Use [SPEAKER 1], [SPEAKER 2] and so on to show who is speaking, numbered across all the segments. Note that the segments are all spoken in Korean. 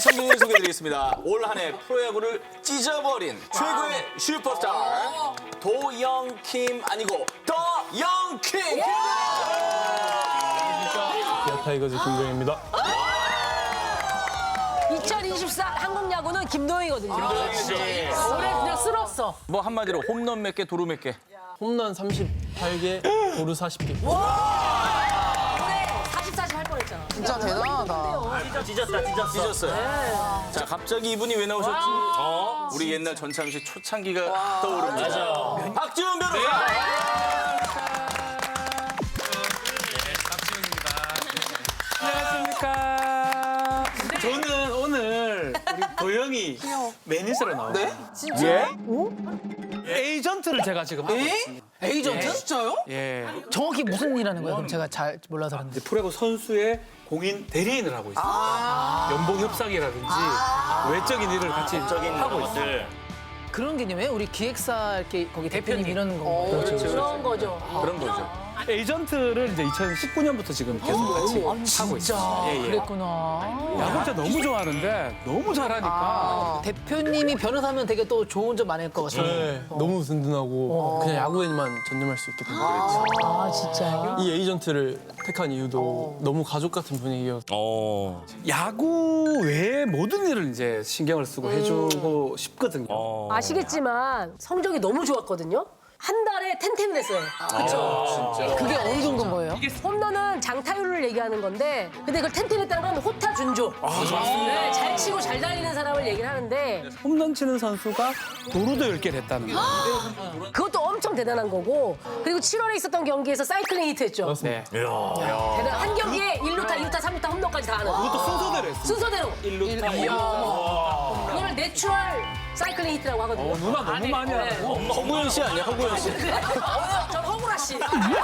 [SPEAKER 1] 선배님 소개해드리겠습니다. 올 한 해 프로야구를 찢어버린 최고의 슈퍼스타 도영킴 아니고 더영킴!
[SPEAKER 2] 기아 타이거즈 김도영입니다.
[SPEAKER 3] 2024 한국 야구는 김도영이거든요.
[SPEAKER 1] 김도영이죠.
[SPEAKER 3] 올해 그냥 쓸었어.
[SPEAKER 1] 뭐 한마디로 홈런 몇 개, 도루 몇 개.
[SPEAKER 2] 홈런 38개, 도루 40개.
[SPEAKER 3] 올해 40, 할 뻔했잖아.
[SPEAKER 4] 진짜 대단하다.
[SPEAKER 1] 찢었어요. 자, 갑자기 이분이 왜 나오셨지? 우리 옛날 전참시 초창기가 떠오릅니다. 맞아. 박지훈 변호사!
[SPEAKER 5] 안녕하십니까. 저는 오늘 우리 도영이 매니저로 나와요.
[SPEAKER 4] 네?
[SPEAKER 1] 예?
[SPEAKER 5] 에이전트를 제가 지금 하고 있습니다.
[SPEAKER 4] 에이전트? 진짜요?
[SPEAKER 5] 예.
[SPEAKER 6] 정확히 무슨 일 하는 거예요? 그럼 제가 잘 몰라서 그런데.
[SPEAKER 5] 이제 프로야구 선수의 공인 대리인을 하고 있습니다. 연봉 협상이라든지 외적인 일을 같이 하고 있어요.
[SPEAKER 6] 그런 개념이에요? 우리 기획사 이렇게 거기 대표님 이러는 거.
[SPEAKER 3] 그런 거죠.
[SPEAKER 1] 그런 거죠.
[SPEAKER 5] 에이전트를 이제 2019년부터 지금 계속 같이 하고 있어요. 예, 예.
[SPEAKER 6] 그랬구나.
[SPEAKER 5] 야구 진짜 너무 좋아하는데 너무 잘하니까
[SPEAKER 6] 대표님이 변호사면 되게 또 좋은 점 많을 것 같아요.
[SPEAKER 2] 네, 너무 든든하고 그냥 야구에만 전념할 수 있게 된 거예요.
[SPEAKER 6] 아, 진짜요?
[SPEAKER 2] 이 에이전트를 택한 이유도 너무 가족 같은 분위기여서
[SPEAKER 5] 야구 외에 모든 일을 이제 신경을 쓰고 해주고 싶거든요.
[SPEAKER 3] 아시겠지만 성적이 너무 좋았거든요. 한 달에 10을 했어요. 그렇죠.
[SPEAKER 6] 그게 어느 정도인 거예요?
[SPEAKER 3] 홈런은 장타율을 얘기하는 건데 근데 그걸 10 했다는 건 호타 준조. 네, 잘 치고 잘 달리는 사람을 얘기를 하는데
[SPEAKER 5] 홈런 치는 선수가 도루도 10개를 했다는 거예요.
[SPEAKER 3] 그것도 엄청 대단한 거고 그리고 7월에 있었던 경기에서 사이클링 히트 했죠.
[SPEAKER 5] 네.
[SPEAKER 3] 대단. 한 경기에 1루타, 2루타, 3루타 홈런까지 다 하는.
[SPEAKER 5] 그것도 순서대로 했어요.
[SPEAKER 3] 순서대로.
[SPEAKER 5] 1루타, 2루타.
[SPEAKER 3] 그걸 내추럴 사이클링 히트라고 하거든요.
[SPEAKER 5] 누나 너무 많이 하고.
[SPEAKER 1] 허구현 씨 아니야, 허구현 씨?
[SPEAKER 3] 저 허구라 씨.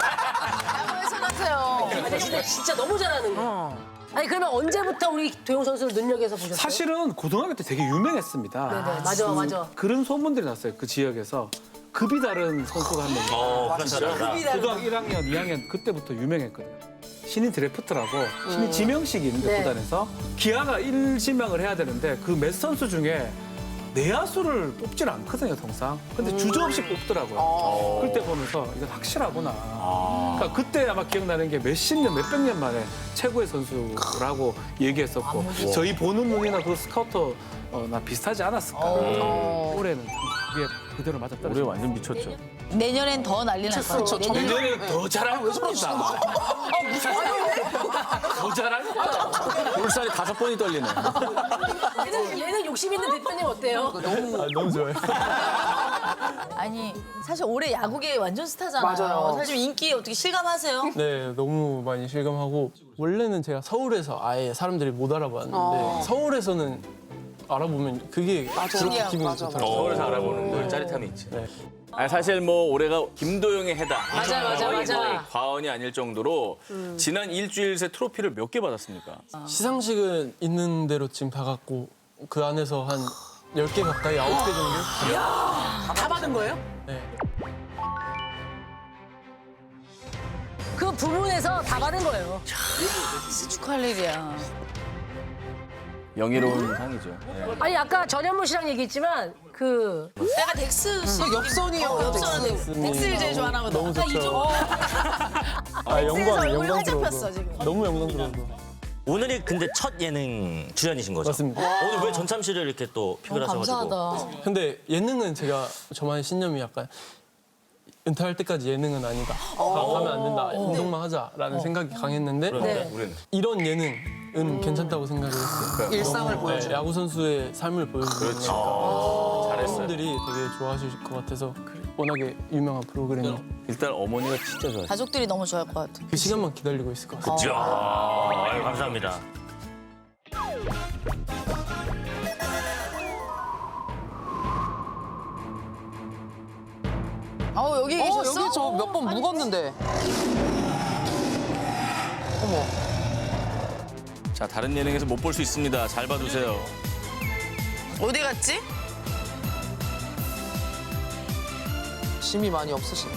[SPEAKER 4] 야구에서 같아요.
[SPEAKER 3] 근데 진짜 너무 잘하는 거. 아니 그러면 언제부터 우리 도영 선수를 눈여겨서 보셨어요?
[SPEAKER 5] 사실은 고등학교 때 되게 유명했습니다.
[SPEAKER 3] 네네, 맞아, 맞아.
[SPEAKER 5] 그런 소문들이 났어요. 그 지역에서. 급이 다른 선수가 한 명. 고등학교 1학년, 2학년 그때부터 유명했거든요. 신인 드래프트라고 신인 지명식이 있는데
[SPEAKER 3] 네.
[SPEAKER 5] 구단에서 기아가 1지명을 해야 되는데 그 몇 선수 중에 내야수를 뽑질 않거든요, 통상. 근데 주저없이 뽑더라고요. 그때 보면서 이건 확실하구나. 그러니까 그때 아마 기억나는 게 몇십 년, 몇백 년 만에 최고의 선수라고 얘기했었고 저희 보는 눈이나 그 스카우터 나 비슷하지 않았을까. 올해는 그게 그대로 맞았다.
[SPEAKER 1] 올해 완전 미쳤죠.
[SPEAKER 6] 내년엔 더 난리 날 거예요.
[SPEAKER 5] 내년에는 더 잘하면 왜 저런다. 더 잘하니까.
[SPEAKER 1] 볼살이 5번이 떨리네.
[SPEAKER 3] 얘는 욕심 있는 대표님 어때요?
[SPEAKER 2] 너무 좋아요.
[SPEAKER 7] 아니 사실 올해 야구계 완전 스타잖아요.
[SPEAKER 4] 맞아요.
[SPEAKER 7] 사실 인기 어떻게 실감하세요?
[SPEAKER 2] 네, 너무 많이 실감하고 원래는 제가 서울에서 아예 사람들이 못 알아봤는데 서울에서는 알아보면 그게 그렇게 기분이
[SPEAKER 4] 맞아,
[SPEAKER 2] 좋더라고요.
[SPEAKER 1] 서울에서 알아보는 걸 짜릿함이 있지.
[SPEAKER 2] 네.
[SPEAKER 1] 아니, 사실 뭐 올해가 김도영의 해다.
[SPEAKER 3] 맞아.
[SPEAKER 1] 과언이 아닐 정도로 지난 일주일 새 트로피를 몇 개 받았습니까?
[SPEAKER 2] 시상식은 있는 대로 지금 다 갖고 그 안에서 한 10개 가까이, 9개 정도?
[SPEAKER 6] 다 받은 거예요?
[SPEAKER 2] 네.
[SPEAKER 3] 그 부문에서 다 받은 거예요.
[SPEAKER 7] 축하할 일이야.
[SPEAKER 1] 명예로운 상이죠. 예.
[SPEAKER 3] 아니 아까 전현무 씨랑 얘기했지만 그
[SPEAKER 7] 내가 덱스 씨.
[SPEAKER 4] 엽선이요.
[SPEAKER 7] 엽선은 덱스를 제일 좋아하거든.
[SPEAKER 2] 너무 좋죠. 아,
[SPEAKER 7] 얼굴이
[SPEAKER 2] 영광
[SPEAKER 7] 활짝 폈어,
[SPEAKER 2] 들어서.
[SPEAKER 7] 지금.
[SPEAKER 2] 너무 영광스러워서.
[SPEAKER 8] 오늘이 근데 첫 예능 출연이신 거죠?
[SPEAKER 2] 맞습니다.
[SPEAKER 8] 오늘 왜 전참시를 이렇게 또 픽을 하셔가지고?
[SPEAKER 7] 감사하다.
[SPEAKER 2] 근데 예능은 제가 저만의 신념이 약간 은퇴할 때까지 예능은 아니다. 가면 안 된다. 운동만 하자라는 생각이 강했는데
[SPEAKER 3] 네.
[SPEAKER 1] 우리는
[SPEAKER 2] 이런 예능은 괜찮다고 생각을 했어요.
[SPEAKER 4] 일상을
[SPEAKER 2] 네,
[SPEAKER 4] 보여줘.
[SPEAKER 2] 야구 선수의 삶을 보여주는
[SPEAKER 1] 잘했어요.
[SPEAKER 2] 분들이 되게 좋아하실 것 같아서 워낙에 유명한 프로그램이
[SPEAKER 1] 일단 어머니가 진짜 좋아하시죠.
[SPEAKER 7] 가족들이 너무 좋아할 것 같아.
[SPEAKER 2] 그 시간만 기다리고 있을 것 같아요.
[SPEAKER 8] 아유, 감사합니다.
[SPEAKER 7] 여기 계셨어?
[SPEAKER 4] 여기 저 몇 번 묵었는데. 어머.
[SPEAKER 1] 자, 다른 예능에서 못 볼 수 있습니다. 잘 봐두세요.
[SPEAKER 7] 어디 갔지?
[SPEAKER 4] 짐이 많이 없으시네.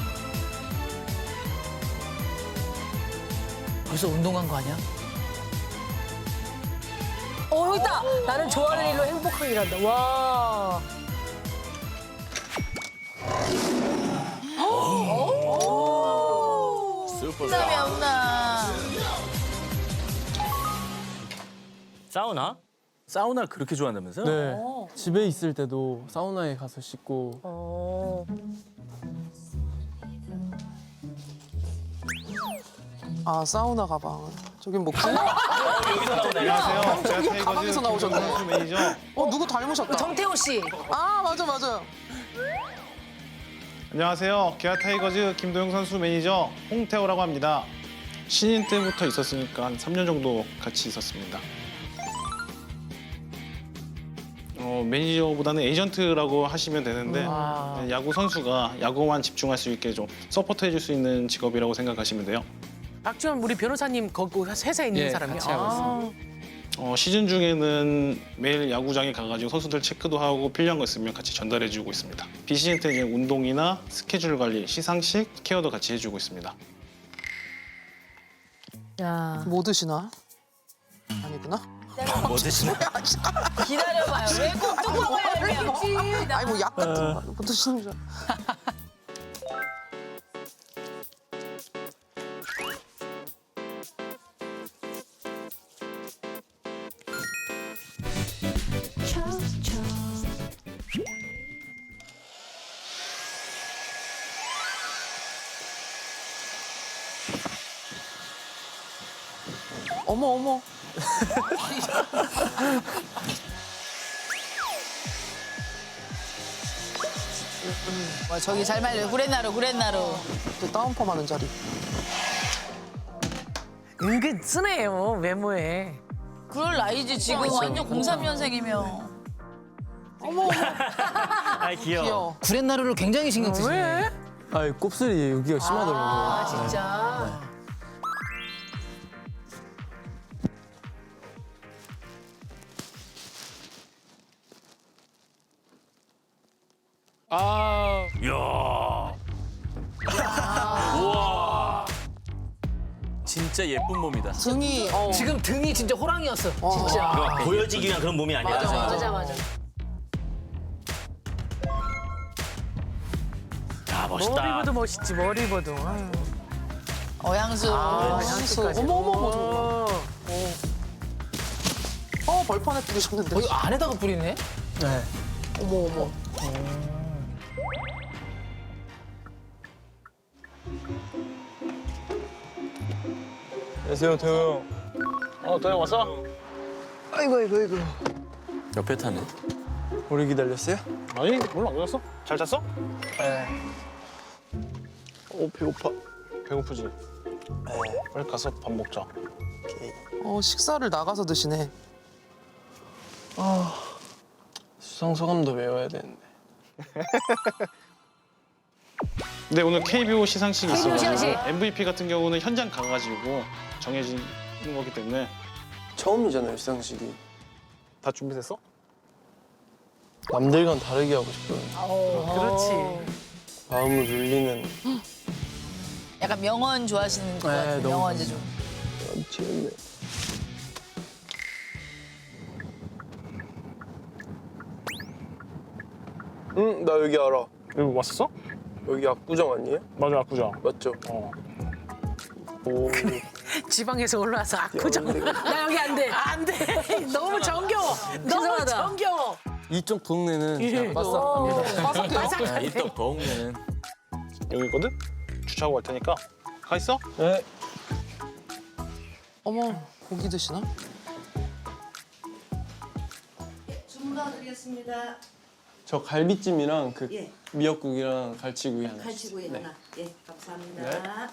[SPEAKER 6] 벌써 운동 간 거 아니야?
[SPEAKER 3] 여기 있다. 나는 좋아하는 일로 행복하게 일한다. 와.
[SPEAKER 1] 슈퍼스타.
[SPEAKER 7] 없나?
[SPEAKER 8] 사우나?
[SPEAKER 1] 사우나를 그렇게 좋아한다면서요?
[SPEAKER 2] 네. 집에 있을 때도 사우나에 가서 씻고
[SPEAKER 4] 아 사우나 가방. 저긴 뭐
[SPEAKER 9] 안녕하세요. 제가 타이거즈
[SPEAKER 4] 가방에서 나오셨네.
[SPEAKER 9] 김동현 선수 매니저.
[SPEAKER 4] 누구 닮으셨다.
[SPEAKER 3] 정태호 씨.
[SPEAKER 4] 아 맞아 맞아.
[SPEAKER 9] 안녕하세요. 기아 타이거즈 김도영 선수 매니저 홍태호라고 합니다. 신인 때부터 있었으니까 한 3년 정도 같이 있었습니다. 매니저보다는 에이전트라고 하시면 되는데 야구 선수가 야구만 집중할 수 있게 좀 서포트해줄 수 있는 직업이라고 생각하시면 돼요.
[SPEAKER 6] 박주현 우리 변호사님 거기 회사에 있는
[SPEAKER 5] 예,
[SPEAKER 6] 사람이요.
[SPEAKER 5] 같이 하고 있습니다.
[SPEAKER 9] 시즌 중에는 매일 야구장에 가가지고 선수들 체크도 하고 필요한 거 있으면 같이 전달해주고 있습니다. 비시즌 때 이제 운동이나 스케줄 관리, 시상식, 케어도 같이 해주고 있습니다.
[SPEAKER 3] 야.
[SPEAKER 4] 뭐 드시나? 아니구나.
[SPEAKER 8] 뭐 드시나?
[SPEAKER 7] 기다려봐요. 왜 꼭 뚜껑을 열면
[SPEAKER 4] 아니 뭐 약 같은 거 뭐 드시는 줄. 어머 어머.
[SPEAKER 7] 저기 잘 말려. 구렛나루 구렛나루.
[SPEAKER 4] 또 다운펌 하는 자리.
[SPEAKER 6] 은근 쓰네요 외모에.
[SPEAKER 7] 그럴 나이지 지금 완전 03년생이면.
[SPEAKER 8] 아 귀여워.
[SPEAKER 4] 귀여워.
[SPEAKER 6] 구렛나루를 굉장히 신경 쓰시네.
[SPEAKER 2] 아 곱슬이 여기가 심하더라고요.
[SPEAKER 3] 아, 진짜.
[SPEAKER 5] 아,
[SPEAKER 1] 이야. 우와. 진짜 예쁜 몸이다.
[SPEAKER 4] 등이
[SPEAKER 6] 지금 등이 진짜 호랑이였어. 진짜.
[SPEAKER 8] 보여지기 위한 그런 몸이 아니라.
[SPEAKER 3] 맞아.
[SPEAKER 8] 야 멋있다.
[SPEAKER 6] 머리보도 멋있지 머리보도. 아유.
[SPEAKER 7] 어양수.
[SPEAKER 4] 향수. 어머 어머 어머 저거. 벌판에 뿌리셨는데.
[SPEAKER 6] 이거 안에다가 뿌리네.
[SPEAKER 2] 네.
[SPEAKER 4] 어머 어머.
[SPEAKER 2] 안녕하세요, 태호 형.
[SPEAKER 9] 도영 왔어?
[SPEAKER 2] 아이고.
[SPEAKER 1] 옆에 타네.
[SPEAKER 2] 오래 기다렸어요?
[SPEAKER 9] 아니, 물론 안 그랬어. 잘 잤어?
[SPEAKER 2] 네. 배고파.
[SPEAKER 9] 배고프지? 빨리 가서 밥 먹자.
[SPEAKER 4] 식사를 나가서 드시네.
[SPEAKER 2] 수상 소감도 외워야 되는데.
[SPEAKER 9] 근데 오늘 KBO 시상식이
[SPEAKER 3] KBO
[SPEAKER 9] 있어가지고
[SPEAKER 3] 시상식.
[SPEAKER 9] MVP 같은 경우는 현장 가가지고 정해지는 거기 때문에
[SPEAKER 2] 처음이잖아요, 시상식이.
[SPEAKER 9] 다 준비됐어?
[SPEAKER 2] 남들과는 다르게 하고 싶어요.
[SPEAKER 6] 그렇지.
[SPEAKER 2] 마음을 울리는.
[SPEAKER 7] 약간 명언 좋아하시는 것
[SPEAKER 2] 네,
[SPEAKER 7] 같아요.
[SPEAKER 2] 너무
[SPEAKER 7] 명언 제조.
[SPEAKER 2] 미치겠네. 응, 나 여기 알아.
[SPEAKER 9] 여기 왔었어?
[SPEAKER 2] 여기 압구정 아니에요?
[SPEAKER 9] 맞아, 압구정.
[SPEAKER 2] 맞죠? 오.
[SPEAKER 6] 지방에서 올라와서 압구정.
[SPEAKER 3] 나 여기 안 돼.
[SPEAKER 6] 안 돼. 너무 정겨워. 너무
[SPEAKER 3] 죄송하다.
[SPEAKER 6] 정겨워.
[SPEAKER 2] 이쪽 동네는 진짜 빠삭합니다.
[SPEAKER 1] 이떡 더욱내는.
[SPEAKER 9] 여기 있거든? 주차하고 갈 테니까 가 있어?
[SPEAKER 2] 네.
[SPEAKER 4] 어머 고기 드시나?
[SPEAKER 10] 주문 넣어드리겠습니다.
[SPEAKER 2] 저 갈비찜이랑 그
[SPEAKER 10] 예.
[SPEAKER 2] 미역국이랑 갈치구이 하나.
[SPEAKER 10] 갈치구이
[SPEAKER 2] 네.
[SPEAKER 10] 하나. 예, 감사합니다.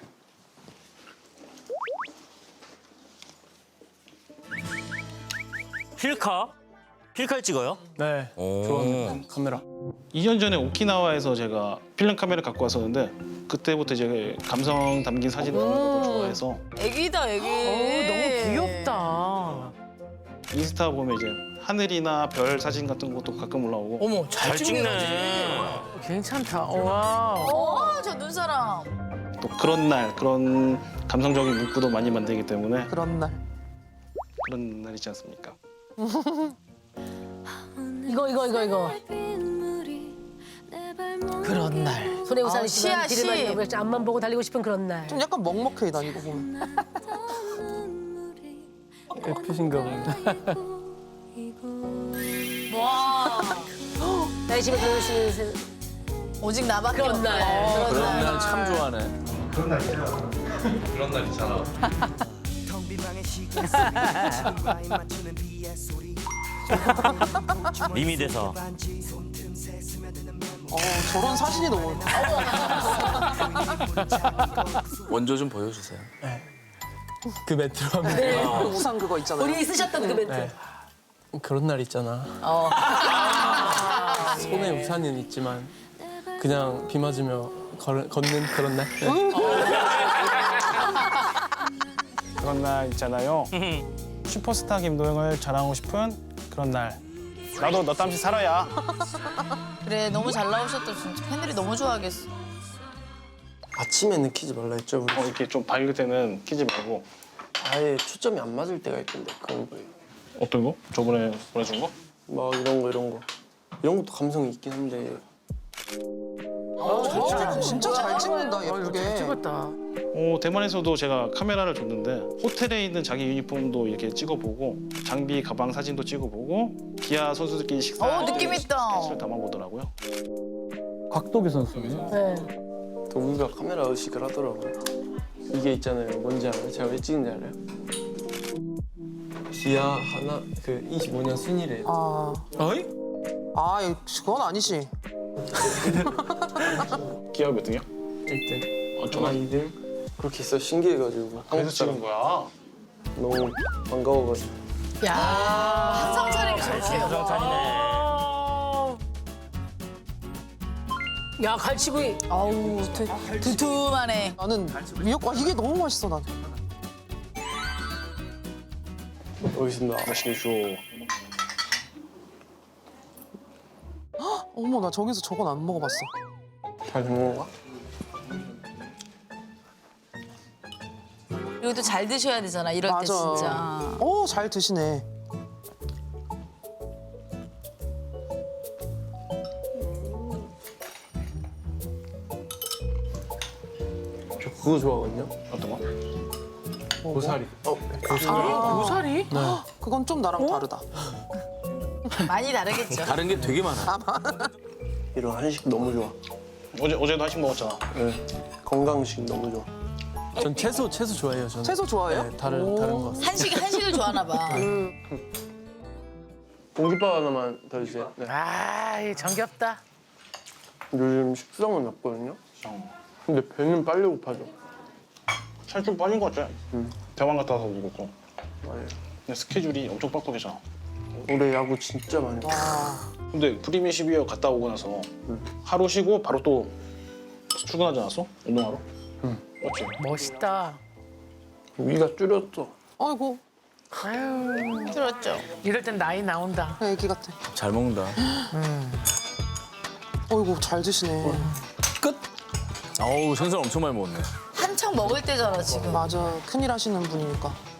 [SPEAKER 8] 필카? 필카를 찍어요?
[SPEAKER 2] 네.
[SPEAKER 8] 오.
[SPEAKER 2] 좋아하는 카메라.
[SPEAKER 9] 2년 전에 오키나와에서 제가 필름 카메라 갖고 왔었는데 그때부터 이제 감성 담긴 사진 찍는 것도 좋아해서
[SPEAKER 7] 애기다 애기.
[SPEAKER 6] 너무 귀엽다.
[SPEAKER 9] 인스타 보면 이제 하늘이나 별 사진 같은 것도 가끔 올라오고
[SPEAKER 6] 어머
[SPEAKER 8] 잘 찍네.
[SPEAKER 6] 괜찮다. 와.
[SPEAKER 7] 저 눈사람.
[SPEAKER 9] 또 그런 날 그런 감성적인 문구도 많이 만들기 때문에
[SPEAKER 4] 그런 날.
[SPEAKER 9] 그런 날이지 않습니까?
[SPEAKER 3] 이거.
[SPEAKER 6] 그런 날.
[SPEAKER 3] 손에 우산이 있지만
[SPEAKER 7] 시야,
[SPEAKER 3] 길을
[SPEAKER 7] 시.
[SPEAKER 3] 많이 가고 앞만 보고 달리고 싶은 그런 날.
[SPEAKER 4] 좀 약간 먹먹해 난 이거 보면.
[SPEAKER 2] F신가 보네.
[SPEAKER 3] 나의 집에 들어올 수 있는
[SPEAKER 7] 오직 나밖에
[SPEAKER 3] 그런
[SPEAKER 7] 없네.
[SPEAKER 3] 날.
[SPEAKER 1] 그런 날 참 좋아하네.
[SPEAKER 8] 밈이 돼서.
[SPEAKER 4] 저런 사진이 너무.
[SPEAKER 1] 원조 좀 보여주세요.
[SPEAKER 2] 그 멘트로 하면
[SPEAKER 4] 우산 그거 있잖아요.
[SPEAKER 3] 우리 쓰셨던 그 멘트.
[SPEAKER 2] 네. 그런 날 있잖아. 손에 우산은 있지만 그냥 비 맞으며 걷는 그런 날.
[SPEAKER 9] 그런 날 있잖아요. 슈퍼스타 김도영을 자랑하고 싶은 그런 날. 나도 너 땀시 살아야.
[SPEAKER 7] 그래 너무 잘 나오셨다 진짜 팬들이 너무 좋아하겠어.
[SPEAKER 2] 아침에는 키지 말라 했죠. 우리.
[SPEAKER 9] 이렇게 좀 밝을 때는 키지 말고.
[SPEAKER 2] 아예 초점이 안 맞을 때가 있던데 그런 거예요.
[SPEAKER 9] 어떤 거? 저번에 보내준 거?
[SPEAKER 2] 막 이런 거. 이런 것도 감성이 있긴 한데
[SPEAKER 4] 진짜 잘 찍는다 예쁘게.
[SPEAKER 6] 찍었다.
[SPEAKER 9] 대만에서도 제가 카메라를 줬는데 호텔에 있는 자기 유니폼도 이렇게 찍어보고 장비, 가방 사진도 찍어보고 기아 선수들끼리 식사
[SPEAKER 7] 느낌 있다.
[SPEAKER 9] 스케치를 담아보더라고요.
[SPEAKER 5] 곽도기 선수네.
[SPEAKER 3] 네.
[SPEAKER 2] 도구가 카메라 의식을 하더라고요. 이게 있잖아요. 뭔지 알아요? 제가 왜 찍은지 알아요? 기아 하나 그 25년 순위래요.
[SPEAKER 5] 어이?
[SPEAKER 4] 그건 아니지.
[SPEAKER 9] 기아 몇 등이야?
[SPEAKER 2] 1등,
[SPEAKER 9] 저는
[SPEAKER 2] 하나 2등 그렇게 있어 신기해가지고
[SPEAKER 9] 그래서 찍은 거야.
[SPEAKER 2] 너무 반가워가지고.
[SPEAKER 7] 항상 차리기 저렇게.
[SPEAKER 8] 정찬이네.
[SPEAKER 3] 야 갈치구이.
[SPEAKER 7] 아우 두툼하네.
[SPEAKER 4] 나는 미역과 이게 너무 맛있어 난.
[SPEAKER 2] 알겠습니다.
[SPEAKER 9] 맛있게 줘.
[SPEAKER 4] 어머 나 저기서 저건 안 먹어봤어.
[SPEAKER 2] 잘 먹는 거야?
[SPEAKER 7] 그리고 또 잘 드셔야 되잖아 이럴 때
[SPEAKER 4] 맞아.
[SPEAKER 7] 진짜.
[SPEAKER 4] 잘 드시네.
[SPEAKER 2] 저 그거 좋아하거든요.
[SPEAKER 9] 어떤 거?
[SPEAKER 2] 고사리.
[SPEAKER 6] 고사리?
[SPEAKER 4] 그건 좀 나랑 다르다.
[SPEAKER 7] 많이 다르겠죠.
[SPEAKER 1] 다른 게 되게 많아.
[SPEAKER 2] 이런 한식 너무 좋아.
[SPEAKER 9] 어제도 한식 먹었잖아.
[SPEAKER 2] 네. 건강식 너무 좋아. 전 채소 좋아해요. 저는.
[SPEAKER 4] 채소 좋아해요?
[SPEAKER 2] 네, 다른 거.
[SPEAKER 7] 한식을 좋아하나 봐.
[SPEAKER 2] 공깃밥 하나만 더 주세요. 네.
[SPEAKER 6] 정겹다.
[SPEAKER 2] 요즘 식성은 없거든요. 근데 배는 빨리 고파져.
[SPEAKER 9] 살 좀 빠진 것 같아. 대만 갔다 와서 그렇고.
[SPEAKER 2] 맞아요.
[SPEAKER 9] 근데 스케줄이 엄청 빡빡해잖아.
[SPEAKER 2] 올해 야구 진짜 많이 봤어.
[SPEAKER 9] 근데 프리미어 12월 갔다 오고 나서 하루 쉬고 바로 또 출근하지 않았어? 운동하러?
[SPEAKER 2] 응.
[SPEAKER 9] 맞지?
[SPEAKER 6] 멋있다.
[SPEAKER 2] 위가 줄였어.
[SPEAKER 4] 아이고
[SPEAKER 6] 아유,
[SPEAKER 7] 들었죠.
[SPEAKER 6] 이럴 땐 나이 나온다.
[SPEAKER 4] 애기 같아.
[SPEAKER 1] 잘 먹는다.
[SPEAKER 4] 아이고 잘 드시네.
[SPEAKER 1] 끝. 어우 생선 엄청 많이 먹었네.
[SPEAKER 7] 한창 먹을 때잖아 지금.
[SPEAKER 4] 맞아 큰일 하시는 분이니까.